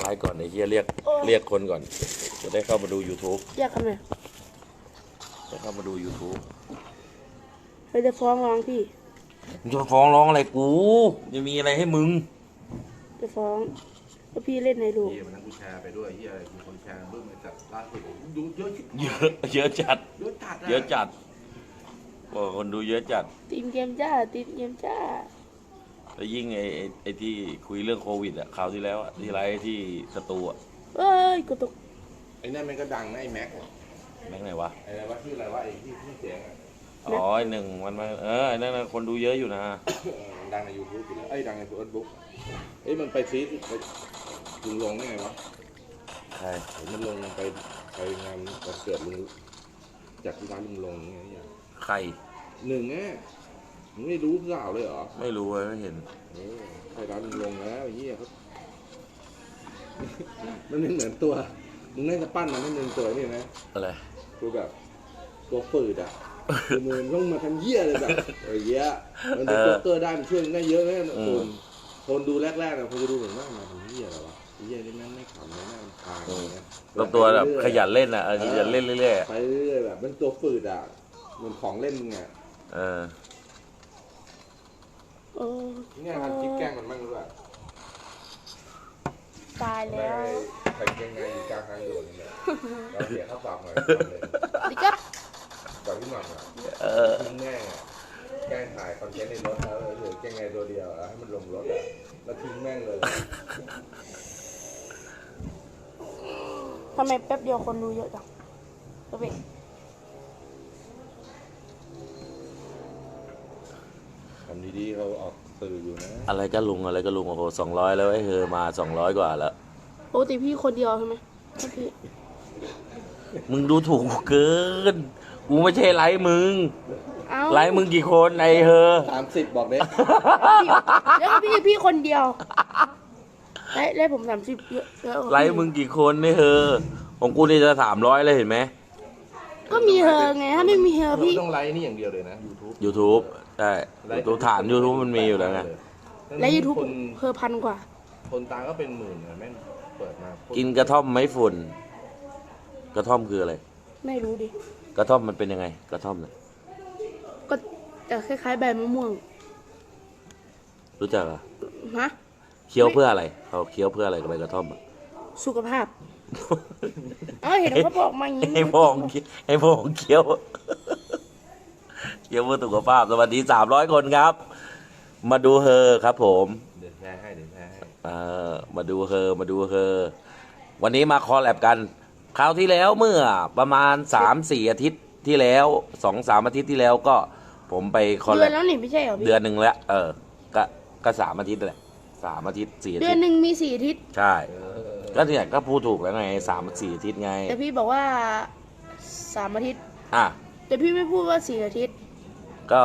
ไลฟ์ก่อนไอ้เหี้ยเรียกคนก่อนจะได้เข้ามาดู YouTube เรียกทำไมจะเข้ามาดู YouTube เราจะฟ้องร้องพี่มึงจะฟ้องร้องอะไรกูจะมีอะไรให้มึงจะฟ้องว่าพี่เล่นในลูกเฮียมันนั่งกูแชร์ไปด้วยเฮียมีคนแชร์เพิ่มมาจากล่าสุดดูเยอะชิบเยอะจัดเยอะจัดเยอะจัดบอกคนดูเยอะจัดทีมเกมจ้าทีมเกมจ้าแล้วยิ่งไอ้ที่คุยเรื่องโควิดอ่ะคราวที่แล้วอ่ะที่ไลฟ์ที่สตูอ่ะเอ้ยกูตกไอ้นั่นมันก็ดังนะไอ้แม็กแม่งไหนวะไอ้อะไรวะชื่ออะไรวะไอ้ที่เสียงอ่ะอ๋อไอ้หนึ่งมันมาไอ้นั่นนะคนดูเยอะอยู่นะมันดังใน YouTube อยู่แล้วไอ้ยดังในเฟซบุ๊กเอ้ยมันไปซีดไปลุงลงได้ไงวะใช่เห็นมันลงไปงานวันเกิดลุงจากที่ร้านลุงลงไงเนี่ยใครหนึ่งแง่มึงไม่รู้ข่าวเลยเหรอไม่รู้เลยไม่เห็นไปร้านลุงลงแล้วไอ้เหี้ยเขา มันไม่เหมือนตัวมึงน่าจะปั้นมันให้มึงตัวนี่นะอะไรตัวแบบตัวฝืดอ่ะคือมือต้องมาทำเหี้ยเลยแบบเหี้ยมันเป็นโจ๊กเกอร์ได้มันช่วยได้เยอะนะคนดูแรกๆนะคนจะดูเหมือนว่ามาทำเหี้ยอะไรวะเหี้ยนี่แม่งไม่ขำเลยน่ารำคาญอะไรเงี้ยตัวแบบขยันเล่นอ่ะขยันเล่นเรื่อยไปเรื่อยๆแบบมันตัวฝืดอ่ะเหมือนของเล่นมึงอ่ะๆเออโอ้เนี่ยทำคลิปแกล้งมันบ้างหรือเปล่าตายแล้วใครเก่งไงอยู่กลางทางด่วนเนี่ยเราเสียค่าปรับหน่อยดิครับก่อนที่หน่อยอ่ะทิ้งแม่งอ่ะแกล้งถ่ายคอนเทนต์ในรถแล้วเหลือแกล้งไงตัวเดียวแล้วให้มันลงรถอ่ะแล้วทิ้งแม่งเลยทำไมแป๊บเดียวคนดูเยอะจังก็เป็นทำดีๆเขาออกสื่ออยู่นะอะไรก็ลุงโอ้โห200แล้วไอ้เฮอมา200กว่าแล้วปกติพี่คนเดียวใช่ไหมพี่มึงดูถูกกูเกินกูไม่ใช่ไลฟ์มึงเอ้าไลฟ์มึงกี่คนไอ้เฮอ 30บอกเด้แล้วก็พี่คนเดียวได้ผม30เยอะเยอะกว่าพี่ไลฟ์มึงกี่คนไอ้เฮอของกูนี่จะ300เลยเห็นไหมก็มีเธอไงถ้าไม่มีเธอเราพี่ต้องไลฟ์นี่อย่างเดียวเลยนะ YouTube YouTube ใช่ตัวฐาน YouTube มันมีอยู่แล้วไงและ YouTube เธอพันกว่าคนตามก็เป็นหมื่นนะแม่งเปิดมากินกระท่อมไม้ฝุ่น กระท่อมคืออะไรไม่รู้ดิกระท่อมมันเป็นยังไง กระท่อมเนี่ยก็จะคล้ายๆใบมะม่วงรู้จักเหรอ่ะฮะเคี้ยวเพื่ออะไรเขาเคี้ยวเพื่ออะไรกับใบกระท่อมอ่ะสุขภาพ เห็นเขาบอกมาอย่างนี้ให้พ่อของเคี้ยว เคี้ยวเพื่อสุขภาพสวัสดี300 คนครับ มาดูเฮอครับผมเดี๋ยวแชร์ให้มาดูเฮอวันนี้มาคอลแลบกันคราวที่แล้วเมื่อประมาณ 3-4 อาทิตย์ที่แล้ว 2-3 อาทิตย์ที่แล้วก็ผมไปคอลเดืแลอนบแล้วนี่ไม่ใช่เหรอพี่เดือนหนึ่งแล้วก็3 อาทิตย์แหละ3 อาทิตย์ 4 อาเดืทิอนตย์หนึ่งมี4 อาทิตย์ใช่ ก็เนี่ยก็พูดถูกแล้วไง3-4 อาทิตย์ไงแต่พี่บอกว่า3 อาทิตย์อ่ะแต่พี่ไม่พูดว่า4 อาทิตย์ก็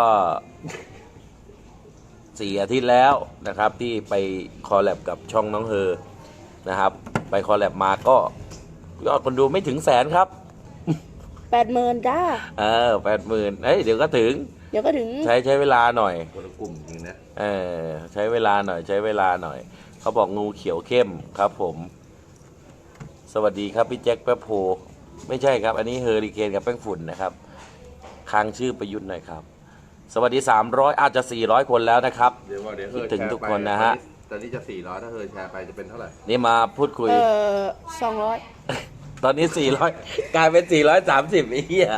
4 อาทิตย์แล้วนะครับที่ไปคอลแลบกับช่องน้องเฮอนะครับ ไปคอลแลบมาก็ยอดคนดูไม่ถึง100,000ครับ 80,000จ้า 80,000เดี๋ยวก็ถึงเดี๋ยวก็ถึงใช้เวลาหน่อยคนละกลุ่มจริงนะใช้เวลาหน่อยเขาบอกงูเขียวเข้มครับผม สวัสดีครับพี่แจ็คแป๊บโพไม่ใช่ครับ อันนี้เฮอริเคนกับแป้งฝุ่นนะครับค้างชื่อประยุทธ์หน่อยครับ สวัสดี300อาจจะ400 คนแล้วนะครับเดี๋ยวเคิดฮอถึงแชร์ทุกคนนะฮะตอนนี้จะ400ถ้าเฮอแชร์ไปจะเป็นเท่าไหร่นี่มาพูดคุย 200 ตอนนี้400กลายเป็น430ไอ้เหี้ย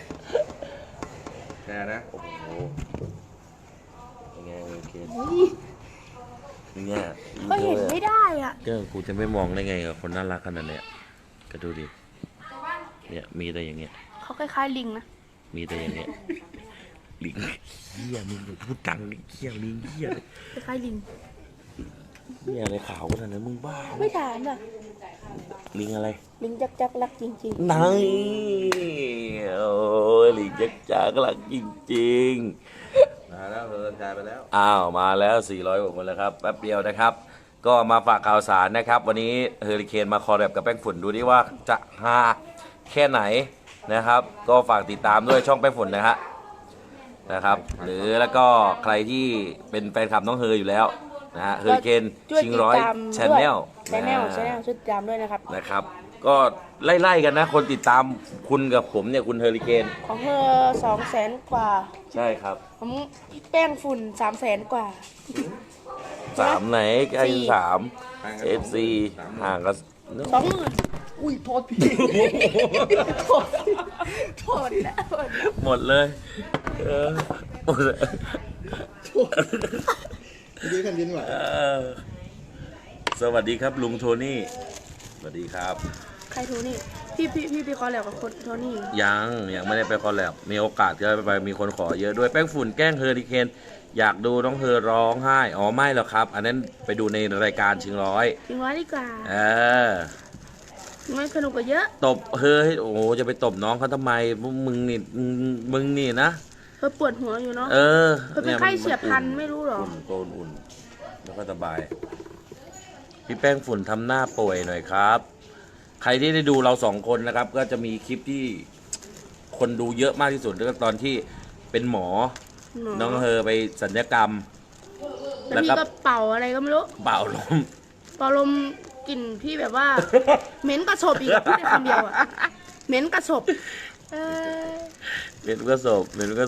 แชร์นะโอ้โหยังไงโอเคเนี่ยก็เห็นไม่ได้อ่ะก็กูจะไม่มองได้ไงกับคนน่ารักขนาดเนี้ยก็ดูดิเนี่ยมีแต่อย่างเงี้ยเขาคล้ายๆลิงนะมีแต่อย่างเงี้ยลิงเหี้ยมึงอย่าพูดดังลิงเหี้ยลิงเหี้ยคล้ายๆลิงเหี้ยอะไรขาวขนาดนั้นมึงบ้าไม่ถามอ่ะลิงอะไรลิงจักรักจริงนายโอ้ยลิงจักจักรักจริงมาแล้วเฮอแชร์ไปแล้วๆอ้าวมาแล้ว400 กว่าคนแล้วครับแป๊บเดียวนะครับ ก็มาฝากข่าวสารนะครับ วันนี้เฮอริเคนมาคอลแลบกับแป้งฝุ่นดูดิว่าจะฮาแค่ไหนนะครับ ก็ฝากติดตามด้วยช่องแป้งฝุ่นนะครับ หรือแล้วก็ใครที่เป็นแฟนคลับน้องเฮออยู่แล้วนะฮะเฮอริเคนช่วยชิงติดร้อยตามชแนลชแนลช่วยติดตามด้วยนะครับนะครับ ก็ไล่ๆกันนะ คนติดตามคุณกับผมเนี่ยคุณเฮอริเคนของเธอ200,000 กว่าใช่ครับผมแป้งฝุ่น300,000 กว่า 3ไหนใกล้สี่ 3 FC ห่างกัน 20,000 อุ้ยโทษพี่โทษนะหมดเลยหมดเลยยืนกันยืนไหวสวัสดีครับลุงโทนี่สวัสดีครับใครโทนี่พี่คอแล้วกับคนโทนี่ยังไม่ได้ไปคอลแลบมีโอกาสจะไปมีคนขอเยอะด้วยแป้งฝุ่นแกล้งเฮอริเคนอยากดูน้องเฮอร้องไห้อ๋อไม่หรอกครับ อันนั้นไปดูในรายการชิงร้อยจริงว่าดีกว่า มันสนุกกว่าเยอะตบเฮอให้โอ้โหจะไปตบน้องเขาทำไมมึงนี่นะเธอปวดหัวอยู่เนาะเออเธอเป็นไข้เฉียบพลันไม่รู้หรออุ่นแล้วก็สบายพี่แป้งฝุ่นทำหน้าป่วยหน่อยครับ ใครที่ได้ดูเรา2 คนนะครับ ก็จะมีคลิปที่คนดูเยอะมากที่สุดก็ตอนที่เป็นหมอ น้องเฮอไปสัญญกรรมแล้วพี่ก็เป่าอะไรก็ไม่รู้เป่าลมเป่าลมกลิ่นพี่แบบว่า เหม็นกระสบอีกอะพูดได้คำเดียวอะเหม็นกระสบเออเป็นก็ศพ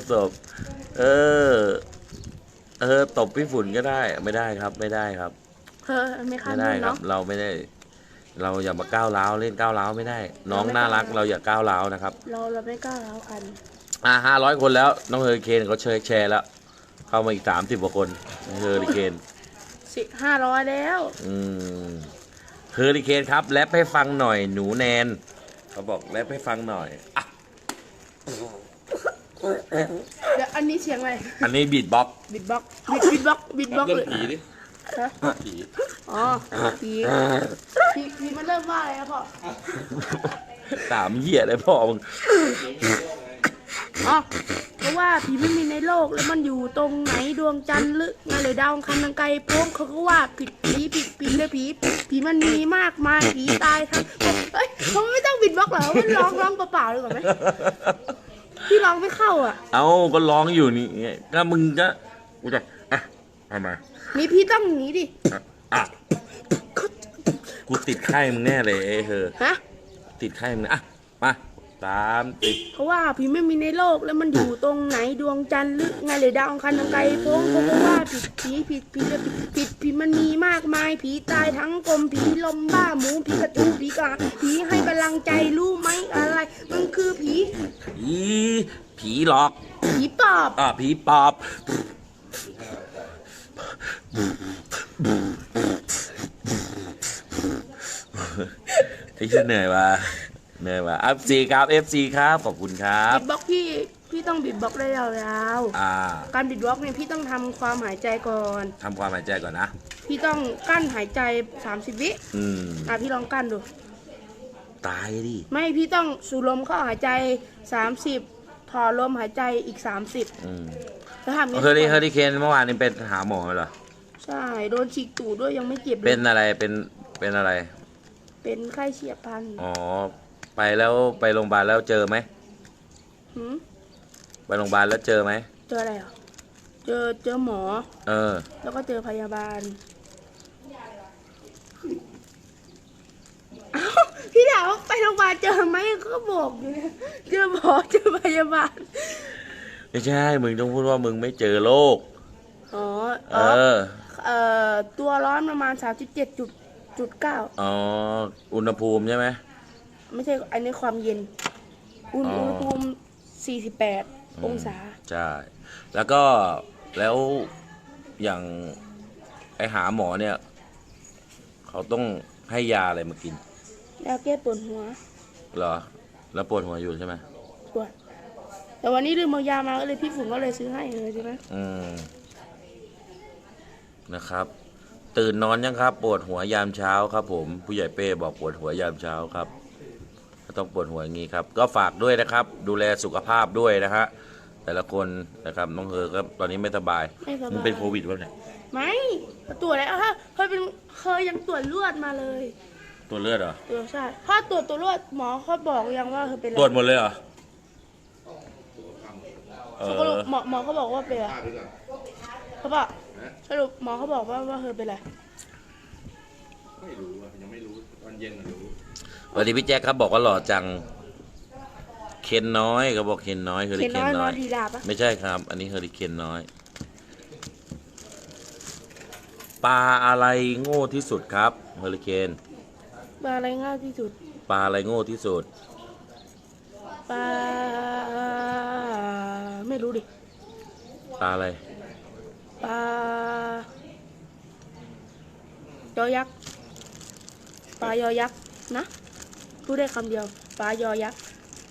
ตบพี่ฝุ่นก็ได้ไม่ได้ครับเธอไม่ข้ามไม่ได้รุ่นครับเนาะเราไม่ได้ เราอย่ามาก้าวร้าวเล่นก้าวร้าวไม่ได้ น้องน่ารักเราอย่าก้าวร้าวนะครับเราไม่กล้าร้าวกัน 500 คนแล้วน้องเฮอริเคนเขาแชร์แล้ว เข้ามาอีก30 กว่าคนเฮอริเคน 500แล้วเฮอริเคนครับแรปให้ฟังหน่อยหนูแนนเขาบอกแรปให้ฟังหน่อยอ่ะเดี๋ยวอันนี้เสียงอะไรอันนี้บีทบ็อกซ์บิดบ็อกเลยผีดิฮะผีอ๋อผีมันเริ่มว่าอะไรนะพ่อถามเหี้ยอะไรพ่อมึงอ๋อเพราะว่าผีไม่มีในโลกแล้วมันอยู่ตรงไหนดวงจันทร์หรือไงหรือดาวอังคารทางไกลโป้งเขาก็ว่าผิดเลยผีมันมีมากมายผีตายทั้งเฮ้ยเขาไม่ต้องบิดบล็อกเหรอมันร้องเปล่าๆเลยก่อนไหมพี่ร้องไม่เข้าอ่ะเอาก็ร้องอยู่นี่ไงก็มึงก็กูจะเอามานี่พี่ต้องหนีดิอ่ะกูติดไข้มึงแน่เลยไอ้เธอฮะติดไข้มึงนะมาติดเพราะว่าผีไม่มีในโลกแล้วมันอยู่ตรงไหนดวงจันทร์หรือไงหรือดาวอังคารทางไกลโป้งเขาก็ว่าผีมันมีมากมายผีตายทั้งกลมผีลมบ้าหมูผีกระจูผีกาผีให้กำลังใจรู้ไหมอะไร มันคือผีหลอกผีปอบผีปอบไอ้ฉันเหนื่อยว่ะFC ครับ FC ครับขอบคุณครับบิดบ็อกพี่ต้องบิดบ็อกได้ยาวๆการบิดบ็อกเนี่ยพี่ต้องทำความหายใจก่อนทำความหายใจก่อนนะพี่ต้องกั้นหายใจ30 วิพี่ลองกั้นดูตายดิไม่พี่ต้องสูดลมเข้าหายใจ30ถอนลมหายใจอีก30แล้วทำเฮอริเคนเมื่อวานนี้เป็นหาหมอเหรอใช่โดนฉีกตูดด้วยยังไม่เจ็บเลยเป็นอะไรเป็นอะไรเป็นไข้เฉียบพลันอ๋อไปโรงพยาบาลแล้วเจอไหม ไปโรงพยาบาลแล้วเจอไหมเจออะไรอ่ะเจอหมอ แล้วก็เจอพยาบาลอ้าวพี่ถามว่าไปโรงพยาบาลเจอไหมก็บอกอยู่เนี่ยเจอหมอเจอพยาบาลไม่ใช่มึงต้องพูดว่ามึงไม่เจอโรคตัวร้อนประมาณ37.9 อุณหภูมิใช่ไหมไม่ใช่อันนี้ความเย็นอุณหภูมิ48 องศาใช่แล้วอย่างไอหาหมอเนี่ยเขาต้องให้ยาอะไรมากินยาแก้ปวดหัวเหรอแล้วปวดหัวอยู่ใช่ไหมปวดแต่วันนี้ลืมเอายามาก็เลยพี่ฝุ่นก็เลยซื้อให้เลยใช่ไหมนะครับตื่นนอนยังครับปวดหัวยามเช้าครับผมผู้ใหญ่เป้บอกปวดหัวยามเช้าครับต้องปวดหัวอย่างนี้ครับก็ฝากด้วยนะครับดูแลสุขภาพด้วยนะฮะแต่ละคนนะครับน้องเฮอก็ตอนนี้ไม่สบายมึงเป็นโควิดป่ะเนี่ยไม่ตรวจแล้วเคยยังตรวจเลือดมาเลยตรวจเลือดเหรอใช่ถ้าตรวจตัวเลือดหมอเขาบอกยังว่าเธอเป็นตรวจหมดเลยเหรอหมอเขาบอกว่าเป็นเขาบอกสรุปหมอเขาบอกว่าเธอเป็นอะไรไม่รู้อ่ะยังไม่รู้ตอนเย็นน่ะรู้สวัสดีพี่แจ็คครับบอกว่าหล่อจังเคนน้อยเขาบอกเคนน้อยเฮอริเคนเคนน้อยน้นออย นดีดาปะไม่ใช่ครับ อันนี้เฮอริเคนน้อยปลาอะไรโง่ที่สุดครับเฮอริเคนปลาอะไรง่ายที่สุดปลาอะไรโง่ที่สุดปลาไม่รู้ดิปลาอะไรปลายอยักษ์ปลายอยักษ์นะพูดได้คำเดียวปลายอยักษ์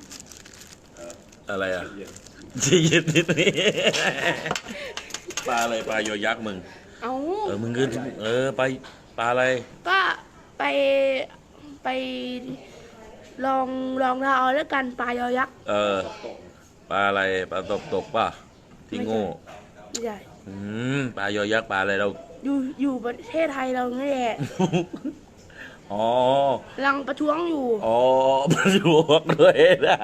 อะไรอ่ะจะยินนิดนี้ปลาอะไรปลายอยักษ์มึงเอามึงขึ้นปลาอะไรก็ไปลองเราเอาแล้วกันปลายอยักษ์ปลาอะไรปลาตกป่ะที่โง่ไม่ใช่ปลายอยักษ์ปลาอะไรเราอยู่ประเทศไทยเรานี่แหละอ๋อลังประท้วงอยู่อ๋อประท้วงด้วยนะ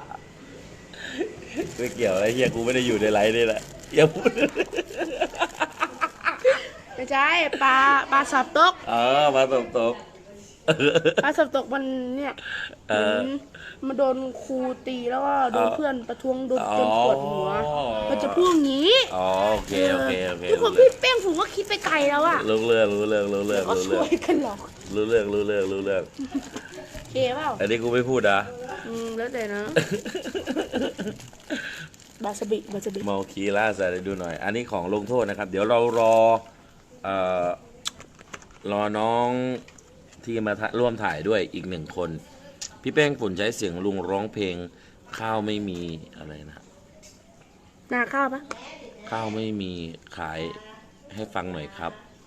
ไม่เกี่ยวอะไรเฮียกูไม่ได้อยู่ในไลฟ์นี่แหละอย่าพูดไม่ใช่ปลาสับตกปลาตกปลาสับตกมันเนี่ยเหมือนมาโดนครูตีแล้วก็โดนเพื่อนประท้วงโดนจนปวดหัวมันจะพูดอย่างนี้อ๋อโอเคทุกคนพี่แป้งผมก็คิดไปไกลแล้วอะรู้เรื่องก็ช่วยกันหรอกรู้เรื่องเคเปล่าอันนี้กูไม่พูดนะแล้วแต่นะ บาสบิเมาคีล่าใส่ดูหน่อย อันนี้ของลงโทษนะครับ เดี๋ยวเรารอน้องที่มาร่วมถ่ายด้วยอีกหนึ่งคน พี่แป้งฝุ่นใช้เสียงลุงร้องเพลงข้าวไม่มีอะไรนะนาข้าวปะข้าวไม่มีขายให้ฟังหน่อยครับ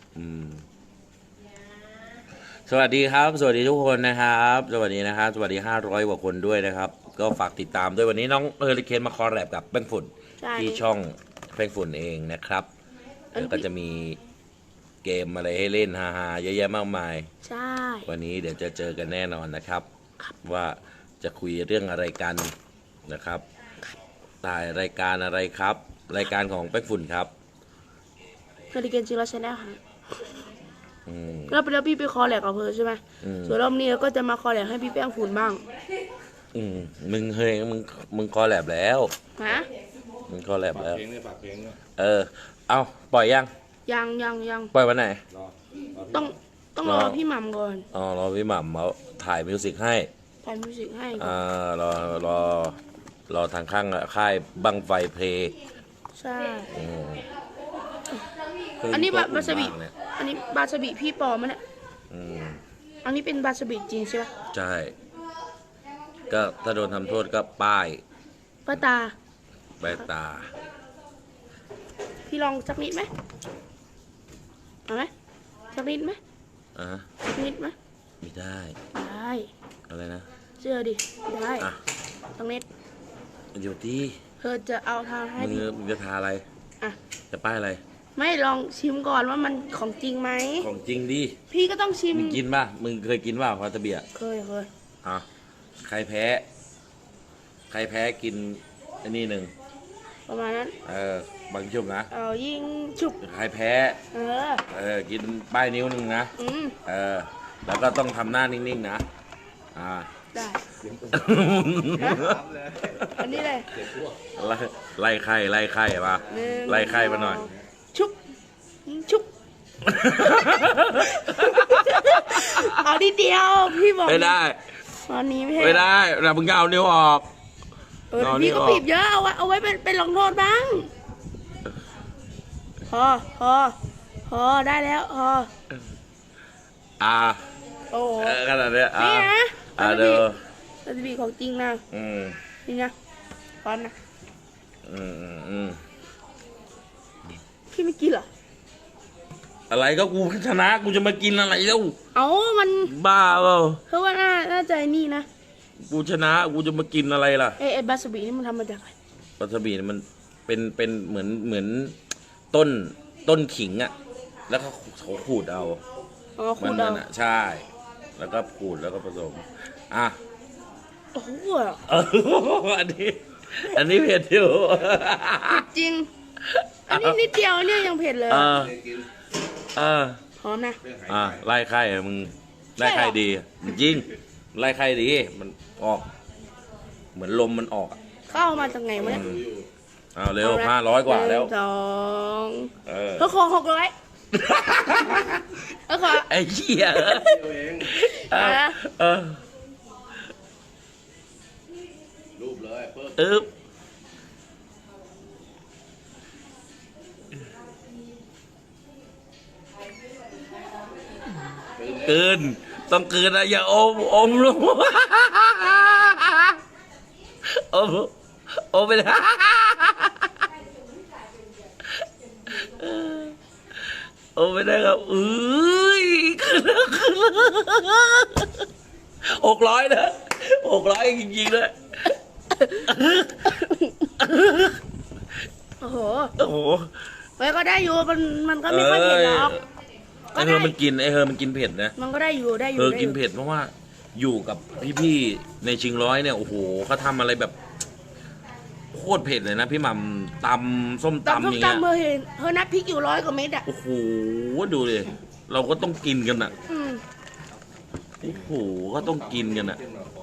สวัสดีครับ สวัสดีทุกคนนะครับ สวัสดีนะครับ สวัสดี500 กว่าคนด้วยนะครับ ก็ฝากติดตามด้วยวันนี้น้องเฮอริเคนมาคอลแลบกับแป้งฝุ่นใช่ที่ช่องแป้งฝุ่นเองนะครับแล้วก็จะมีเกมอะไรให้เล่นฮาๆเยอะแยะมากมายใช่วันนี้เดี๋ยวจะเจอกันแน่นอนนะครับ ว่าจะคุยเรื่องอะไรกันนะครับถ่ายรายการอะไรครับ รายการของแป้งฝุ่นครับเฮอริเกนจิโร่ชาแนลค่ะอืมแล้วพี่ไปคอแลกกับเธอใช่ไหม ส่วนรอบนี้เราก็จะมาคอแลกให้พี่แป้งฝุ่นบ้างมึงคอแลบแล้วฮะมึงคอแลบฝากแล้วเพลงเนี่ยฝากเพลงเนี่ยเอาปล่อยยังยังปล่อยวันไหนรอพี่ต้องรอพี่หม่ำก่อนอ๋อรอพี่หม่ำเขาถ่ายมิวสิกให้ถ่ายมิวสิกให้ก่อนรอทางข้างค่ายบังไฟเพลงใช่อืมอันนี้บาสบิมกเนี่ยอันนี้บาสบิพี่ปอมันเนี่ยอืมอันนี้เป็นบาสบิจริงใช่ปะใช่ ก็ถ้าโดนทำโทษก็ป้ายป้าตาใบตาพี่ลองสักนิดไหมเอาไหมสักนิดไหมอ่ะสักนิดไหมไม่ได้ได้อะไรนะเชื่อดิ ได้อ่ะสักนิดอยู่ที่เธอจะเอาทางให้มึงพี่มึงจะทาอะไรอ่ะจะป้ายอะไรไม่ลองชิมก่อนว่ามันของจริงไหมของจริงดิพี่ก็ต้องชิมมึงกินป่ะ มึงเคยกินป่ะวาซาบิอ่ะเคยอ่ะใครแพ้ กินอันนี้หนึ่งประมาณนั้นบางชุบนะเอายิงฉุบใครแพ้ กินป้ายนิ้วหนึ่งนะอืมแล้วก็ต้องทำหน้านิ่งๆนะได้ อันนี้เลยไล่ไข่มาหนึ่งไล่ไข่มาหน่อยชุบชุบ เอาทีเดียวพี่บอกไม่ได้ตอนนี้ไม่ได้แต่มึงก็เอานิ้วออกแต่เอานี่พี่ก็ออกบีบเยอะเอาไว้เป็นลงโทษบ้างพอได้แล้วพอ โอ้โหขนาดเนี้ยนี่นะเดี๋ยววาซาบิของจริงนะอืมนี่นะร้อนนะอืมพี่ไม่กินเหรออะไรก็กูชนะกูจะมากินอะไรแล้วเอามันบ้าเปล่าเพราะว่าน่าจะนี่นะกูชนะกูจะมากินอะไรล่ะไอ้บาสบินี่มันทำมาจากอะไรวาซาบิเนี่ยมันเป็นเหมือนต้นขิงอ่ะ แล้วก็เขาขูดเอาอ๋อมัคุณนเดาอ่ะใช่ แล้วก็ขูดแล้วก็ผสมโอ้โหอันนี้เผ็ดอยู่จริงอันนี้นิดเดียวเนี่ยยังเผ็ดเลยเออะอเด็กกินเออพร้อมนะเรื่องหายอ่าใจไล่ไข่อะมึงไล่ไข่ดีจริงไล่ไข่ดีมันออก เหมือนลมมันออกอะเข้ามาจากไหนวะเนี่ยดูอยู่เอาเร็ว500 กว่าแล้ว 1 2 เออเขาขอ600เขาขอไอ้เหี้ยเดียวเองเออรูปเลยเพิ่มอึ๊บกลืนต้องกลืนนะอย่าอมลงอมไปนะอมไปได้ครับขึ้น600นะ600จริงๆเลยโอ้โหโอ้โหไว้ก็ได้อยู่มันก็ไม่ค่อยเผ็ดหรอกไอเฮอมันกินเผ็ดนะมันก็ได้อยู่ได้อยู่กินได้อยู่เผ็ดเพราะว่าอยู่กับพี่ๆในชิงร้อยเนี่ยโอ้โหเขาทำอะไรแบบโคตรเผ็ดเลยนะพี่หม่ำตำส้มตำตำส้อมย่างเงี้ยตำเฮอนัดพริกอยู่100 กว่าเม็ดอ่ะโอ้โหดูเลยเราก็ต้องกินกันอ่ะอืมโอ้โหก็ต้องกินกันอ่ะ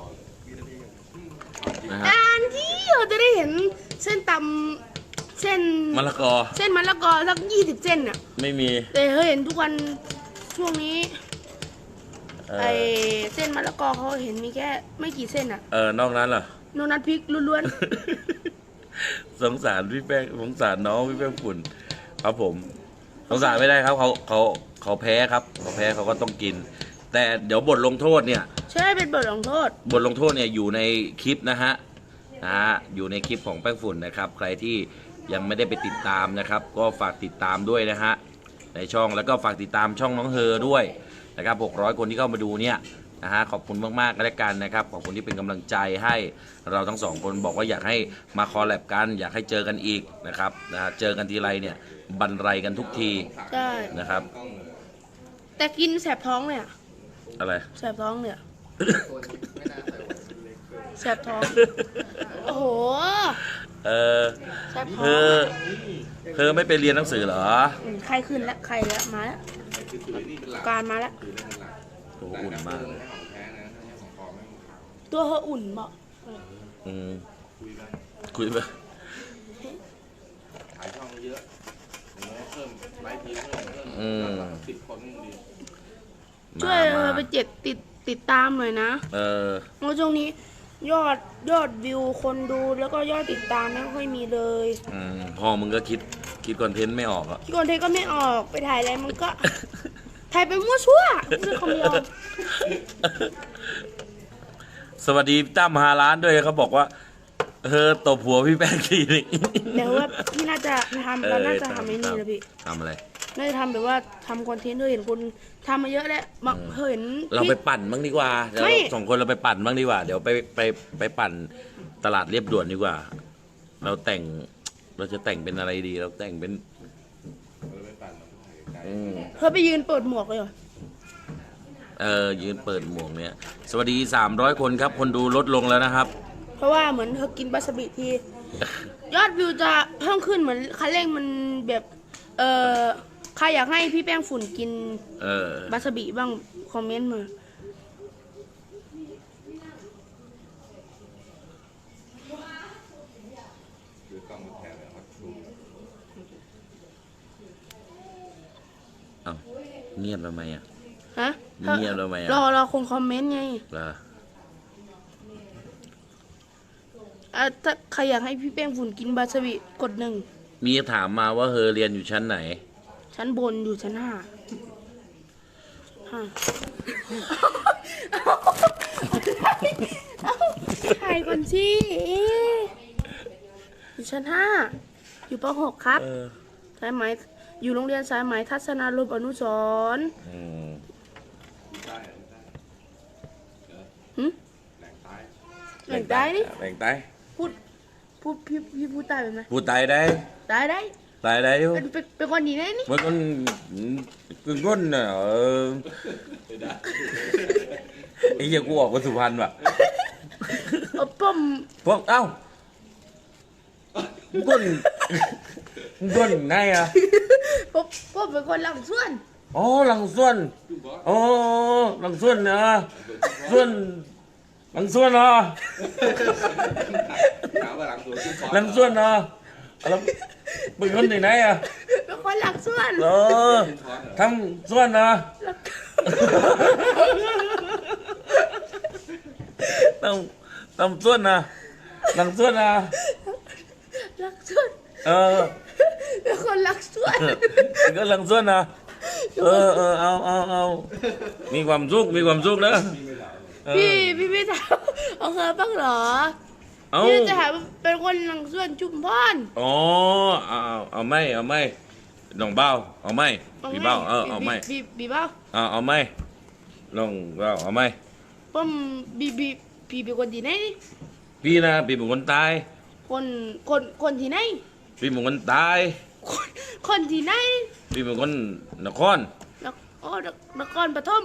นะฮะการที่เราจะได้เห็นเส้นตำเส้นมะละกอเส้นมะละกอสัก20 เส้นอ่ะไม่มีแต่เห็นทุกวันช่วงนี้เอไออเส้นมะละกอเขาเห็นมีแค่ไม่กี่เส้นอ่ะนอกนั้นเหรอโนนัทพริกล้วนสงสารพี่แป้งสงสารน้องพี่แป้งฝุ่นครับผมสงสารไม่ได้ครับเขาแพ้ครับเขาแพ้เขาก็ต้องกิน แต่เดี๋ยวบทลงโทษเนี่ยๆใช่เป็นบทลงโทษบทลงโทษเนี่ยอยู่ในคลิปนะฮะอยู่ในคลิปของแป้งฝุ่นนะครับ ใครที่ยังไม่ได้ไปติดตามนะครับ ก็ฝากติดตามด้วยนะฮะในช่องแล้วก็ฝากติดตามช่องน้องเฮอด้วยนะครับ600 คนที่เข้ามาดูเนี่ยนะฮะขอบคุณมากๆก็แล้วกันนะครับขอบคุณที่เป็นกำลังใจให้เราทั้งสองคนบอกว่าอยากให้มาคอลแลบกัน อยากให้เจอกันอีกนะครับเจอกันทีไรเนี่ยบันไรกันทุกทีใช่นะครับแต่กินแสบท้องเลยอ่ะอะไรแสบท้องเนี่ยแสบท้อง โอ้โหเออแสบท้เธองอเธอไม่ไปเรียนหนังสือเหรอใครขึ้นแล้วใครแล้วมาแล้วคือถือนี่เป็นหลักการมาแล้วถือนี่เป็นหลักโอ้อุ่นมากไม่ของแท้นะถ้าให้ของปลอมไม่ของขาวตัวเธออุ่นบอกอืมคุยไปคุยไปขายช่องเยอะอย่างน้อยเพิ่มไลฟ์พีเพิ่ม10 คนนี่ดีช่วยไปติดตามหน่อยนะเออเพราะช่วงนี้ยอดวิวคนดูแล้วก็ยอดติดตามไม่ค่อยมีเลยพ่อมึงก็คิดคอนเทนต์ไม่ออกอ่ะที่คนเทก็ไม่ออกไปถ่ายอะไรมันก็ ถ่ายไปมั่วชั่วพูดคำเดียวสวัสดีตั้ม5 ล้านด้วยเขาบอกว่าตบหัวพี่แป้งทีนึงเดี๋ยวว่าพี่น่าจะทำเราน่าจะทำไอ้นี่นะพี่ทำอะไรน่าจะทำแบบว่าทำคอนเทนต์ด้วยเห็นคนทำมาเยอะแล้วบางเห็นเราไปปั่นบ้างดีกว่าเดี๋ยวไม่เรา2 คนเราไปปั่นบ้างดีกว่า เดี๋ยวไปปั่นตลาดเรียบด่วนดีกว่า เราจะแต่งเป็นอะไรดี เราแต่งเป็นเราไม่ปั่นเราถ่ายไกลเธอไปยืนเปิดหมวกเลยเหรอยืนเปิดหมวกเนี่ย สวัสดี300 คนครับ คนดูลดลงแล้วนะครับเพราะว่าเหมือนเธอกินปลาสบิทียอดวิวจะเพิ่มขึ้นเหมือนคันเร่งมันแบบใครอยากให้พี่แป้งฝุ่นกิน บาสบิบ้างคอมเมนต์มาคือกล้องมันแทนเลยครับดูเอ้าเงียบทำไมอ่ะฮะเงียบทำไมอ่ะรอคงคอมเมนต์ไงเหรอถ้าใครอยากให้พี่แป้งฝุ่นกินบาสบิกด 1 มีถามมาว่าเรียนอยู่ชั้นไหนชั้นบนอยู่ชั้น 5ถ่ายก่อนสิอยู่ชั้น 5 อยู่ป .6 ครับ สายไหมอยู่โรงเรียนสายไหมทัศนารมณ์อนุสรณ์ได้ได้หึแหล่งใต้แหล่งใต้นี่แหล่งใต้พูดพี่พูดใต้เป็นไหมพูดใต้ได้ได้ใต้ได้อยู่เป็นคนดีแน่นี่มันก็คือก้นน่ะไอ้เหี้ยกูออกมาสุพรรณว่ะป้อมพวกเอ้าก้นมึงส่วนไหนอ่ะผมเป็นคนหลังส่วนอ๋อหลังส่วนอ๋อหลังส่วนนะส่วนหลังส่วนเหรอถามว่าหลังสวนขึ้นคอร์สหลังส่วนเหรอแล้วเป็นคนที่ไหนอ่ะเป็นคนหลังส่วนเออทำส่วนเหรอทำส่วนนะหลังส่วนนะหลังส่วนเออเป็นคนหลังส่วนก็หลังส่วนนะเอามีความสุขนะเออพี่ไม่ถามเอาเคยบ้างเหรอเอาพี่จะถามว่าเป็นคนหลังส่วนชุมพรอ๋อเอาไม่น้องเบ้าเอาไม่พี่เบ้าเอาไม่บีเบ้าเอาไม่น้องเบ้าเอาไม่ผมพี่เป็นคนที่ไหนนี่พี่นะพี่เป็นคนตายคนที่ไหนพี่เป็นคนตายคนที่ไหนพี่เป็นคนนครนครปฐม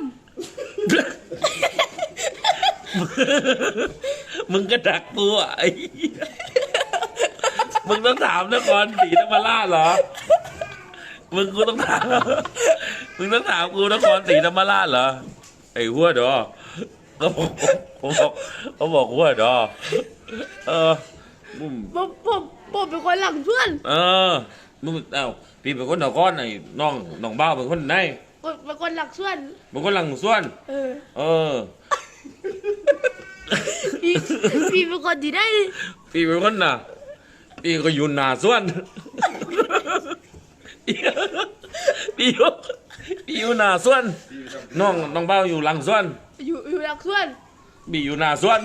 มึงก็ดักตัวไอ้เหี้ยมึงต้องถามนครศรีธรรมราชเหรอ มึงต้องถามกูนครศรีธรรมราชเหรอ ไอ้หัวดอเขาบอกหัวดอมึงผมเป็นคนหลังส่วนมึงพี่เป็นคนนครไอ้น้องบ้าวเป็นคนไหนเป็นคนหลังส่วนเป็นคนหลังส่วนเออพี่เป็นคนที่ไหนพี่เป็นคนน่ะพี่ก็อยู่หน้าส่วนพี่อยู่หน้าส่วนน้องเบ้าอยู่หลังส่วนอยู่หลังส่วนพี่อยู่หน้าส่วน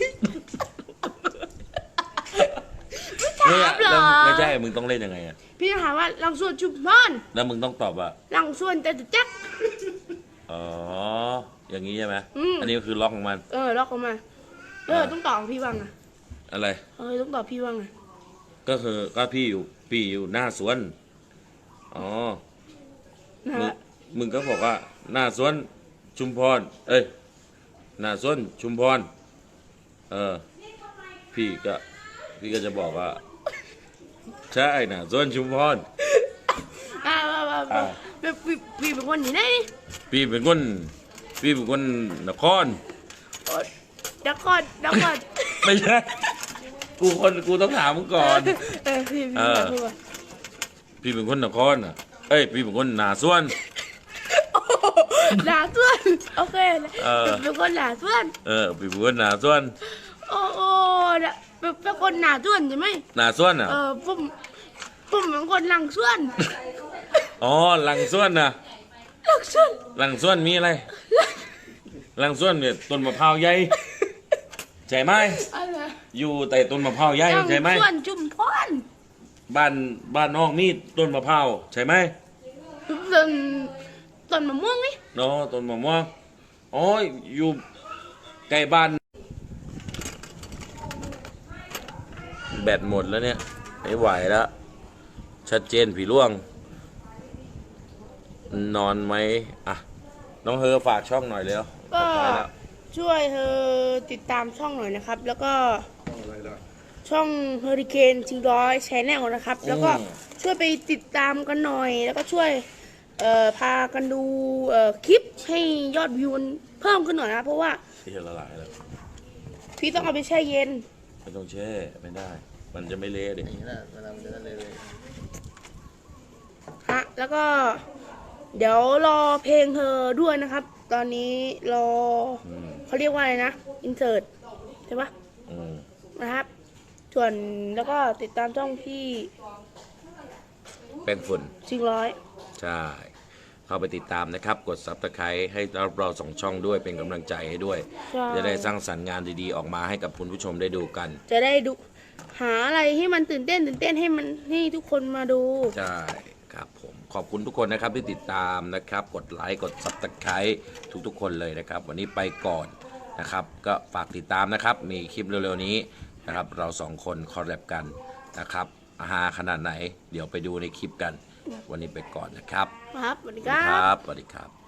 ถามเหรอไม่ใช่มึงต้องเล่นยังไงอ่ะพี่ถามว่าหลังส่วนชุมพรแล้วมึงต้องตอบว่าหลังส่วนแต่จักอ๋ออย่างนี้ใช่ไหมอืมอันนี้คือล็อกของมันล็อกออกมาต้องตอบพี่ว่างอ่ะอะไรต้องตอบพี่ว่างอ่ะก็คือก็พี่อยู่หน้าสวนอ๋อนะมึงก็บอกว่าหน้าสวนชุมพรหน้าสวนชุมพรพี่ก็จะบอกว่าใช่หน้าสวนชุมพรพี่เป็นคนที่ไหนพี่เป็นคนนครนครไม่ใช่กูต้องถามมึงก่อนพี่พี่เป็นคนนครอ่ะพี่เป็นคนหน้าสวนหนาส่วนโอเคเป็นคนหนาส่วนพี่เป็นคนหน้าสวนโอ้เป็นคนหนาส่วนใช่ไหมหน้าสวนอ่ะผมเป็นคนหลังส่วนอ๋อหลังสวนนะหลังส่วนหลังสวนมีอะไรหลังสวนเนี่ยต้นมะพร้าวใหญ่ใช่ไหมอะไรอยู่แต่ต้นมะพร้าวใหญ่ใช่ไหมหลังส่วนชุมพรบ้านน้องมีต้นมะพร้าวใช่ไหมต้นมะม่วงนี่เนาะต้นมะม่วงอ๋ออยู่ใกล้บ้านแบตหมดแล้วเนี่ยไม่ไหวแล้วชัดเจนผีร่วงนอนไหมอ่ะน้องเฮอฝากช่องหน่อยเร็วก็ไปแล้วช่วยเธอติดตามช่องหน่อยนะครับ แล้วก็อะไรล่ะช่อง Hurricane 400 Channel นะครับ แล้วก็ช่วยไปติดตามกันหน่อย แล้วก็ช่วยพากันดูคลิปให้ยอดวิวมันเพิ่มขึ้นหน่อยนะ เพราะว่าที่ละลายแล้วพี่ต้องเอาไปแช่เย็นไม่ต้องแช่ไม่ได้ มันจะไม่เละดิฮะ แล้วก็ เดี๋ยวรอเพลงเธอด้วยนะครับ ตอนนี้รอ เขาเรียกว่าอะไรนะ อินเสิร์ตใช่ปะ นะครับ ส่วนแล้วก็ติดตามช่องพี่แป้งฝุ่น 400 ใช่ เข้าไปติดตามนะครับ กด Subscribe ให้เราสองช่องด้วยเป็นกำลังใจให้ด้วยใช่จะได้สร้างสรรค์งานดีๆ ออกมาให้กับคุณผู้ชมได้ดูกันจะได้ดูหาอะไรให้มันตื่นเต้นให้ทุกคนมาดูใช่ครับผมขอบคุณทุกคนนะครับที่ติดตามนะครับ กดไลค์กด Subscribe ทุกๆคนเลยนะครับ วันนี้ไปก่อนนะครับ ก็ฝากติดตามนะครับ มีคลิปเร็วๆนี้นะครับ เราสองคนคอลแลบกันนะครับฮาขนาดไหน เดี๋ยวไปดูในคลิปกัน วันนี้ไปก่อนนะครับครับสวัสดีคครัรับ บสวัสดีครับ